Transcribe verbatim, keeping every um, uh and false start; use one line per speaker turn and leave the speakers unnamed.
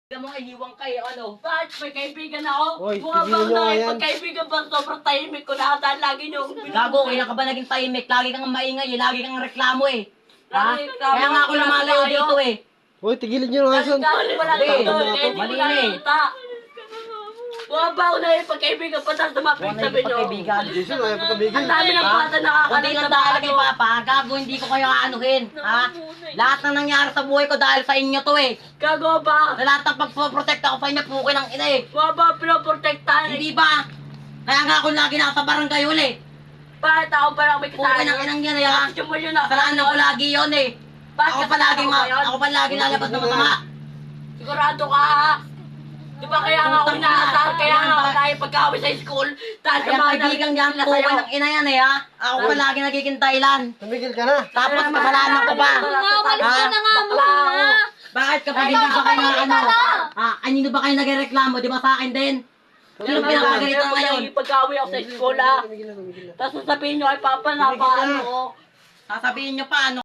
Alam mo, iniwang kayo, ano? Bakit may kaibigan ako?
Hoy,
Mga
tigilan
bang
nyo
na
nga yan.
pagkaibigan ba sobrang tahimik ko na ata lagi nyo.
Gago, kailan ka ba naging tahimik? Lagi kang maingay eh, lagi kang reklamo eh. Ha?
Lagi reklamo,
Kaya nga ako lumalayo
tayo.
dito eh.
Hoy, tigilan nyo nga son.
Kasi wala
Hindi,
dito,
mali
eh, hindi
mali
ko
na eh.
nakikita. Mga ba na yung pagkaibigan pa tapos tumapit
Huwag na
sabi
yung
nyo.
pagkaibigan.
Jason, ayaw pa tabigil.
Ang dami ng
Ha?
bata nakakalit
Kunti lang talaga yung papa, gago, hindi ko kayo aanuhin. Ha? Lahat na nangyari sa buhay ko dahil sa inyo to eh.
Gago ba?
Sa lahat ng pagpoprotect ako sa inyo, pukin ng ina eh.
Mga ba pinoprotektahan?
Hindi ba? Kaya nga ako lagi nasa barangay uli.
Bakit ako pa lang may
Pukin
kasalanan?
ng inang yan eh ha.
Gusto mo yun na.
Kasalanan ko lagi yun eh.
Bakit
Ako
kasalanan
palagi
ko
ma,
ba yun?
ako palagi lalabas ng masama.
Sigurado ka ha? Di ba kaya nga ako
Putang
inaasar,
ina.
kaya nga ako
Ayan,
dahil pagkawin sa school, dahil sa
Kaya
mga
kaibigan niyan,
nila
pukin
sa'yo.
ng ina yan eh ha. Ako palagi nagiging dahilan.
Tumigil ka na.
Tapos kasalanan ko pa.
Umalis
ka
na nga muna.
Bakit kapag hindi ba kayo na ano? Ah, kanino ba kayo nagreklamo? Di ba sa akin din? Sino pinapagalitan ngayon?
Pagkawin ako sa school ha.
Tumigil na, tumigil na.
Tapos sasabihin nyo ay papa na paano ko.
Sasabihin nyo pa ano?